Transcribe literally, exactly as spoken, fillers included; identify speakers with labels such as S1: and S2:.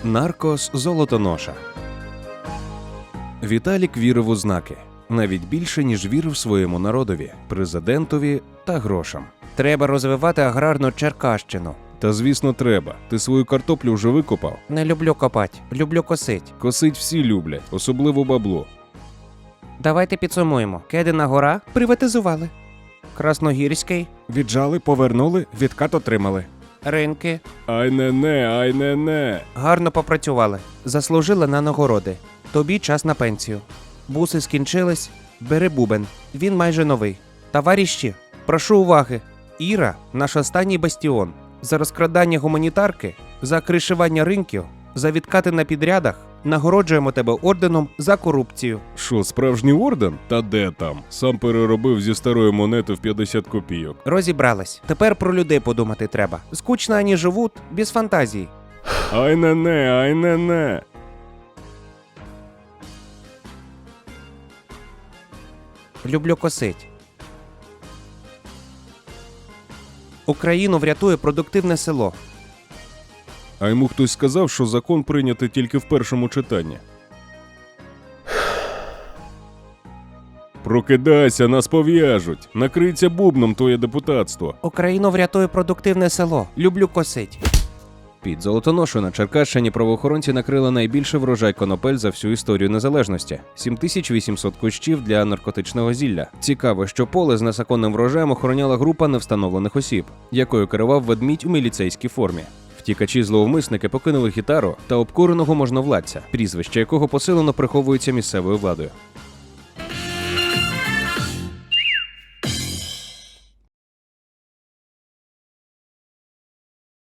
S1: Наркос Золотоноша. Віталік вірив у знаки. Навіть більше, ніж вірив своєму народові, президентові та грошам.
S2: Треба розвивати аграрну Черкащину.
S1: Та звісно треба. Ти свою картоплю вже викопав?
S2: Не люблю копать, люблю косить.
S1: Косить всі люблять, особливо бабло.
S2: Давайте підсумуємо. Кедина гора приватизували. Красногірський,
S1: Віджали, повернули, відкат отримали.
S2: ринки
S1: Ай не не, ай не не.
S2: гарно попрацювали. Заслужили на нагороди. Тобі час на пенсію. Буси скінчились, бери бубен. Він майже новий. Товариші, прошу уваги. Іра – наш останній бастіон. За розкрадання гуманітарки, за кришування ринків, за відкати на підрядах нагороджуємо тебе орденом за корупцію.
S1: Що, справжній орден? Та де там? Сам переробив зі старої монети в п'ятдесят копійок.
S2: Розібрались. Тепер про людей подумати треба. Скучно ані живуть, без фантазії.
S1: Ай не не, ай не не.
S2: Люблю косить. Україну врятує продуктивне село.
S1: А йому хтось сказав, що закон прийнятий тільки в першому читанні. Прокидайся, нас пов'яжуть. Накрийся бубном твоє депутатство.
S2: Україну врятує продуктивне село. Люблю косить.
S1: Під Золотоношою на Черкащині правоохоронці накрили найбільший врожай конопель за всю історію незалежності – сім тисяч вісімсот кущів для наркотичного зілля. Цікаво, що поле з незаконним врожаєм охороняла група невстановлених осіб, якою керував ведмідь у міліцейській формі. Втікачі-зловмисники покинули гітару та обкуреного можновладця, прізвище якого посилено приховується місцевою владою.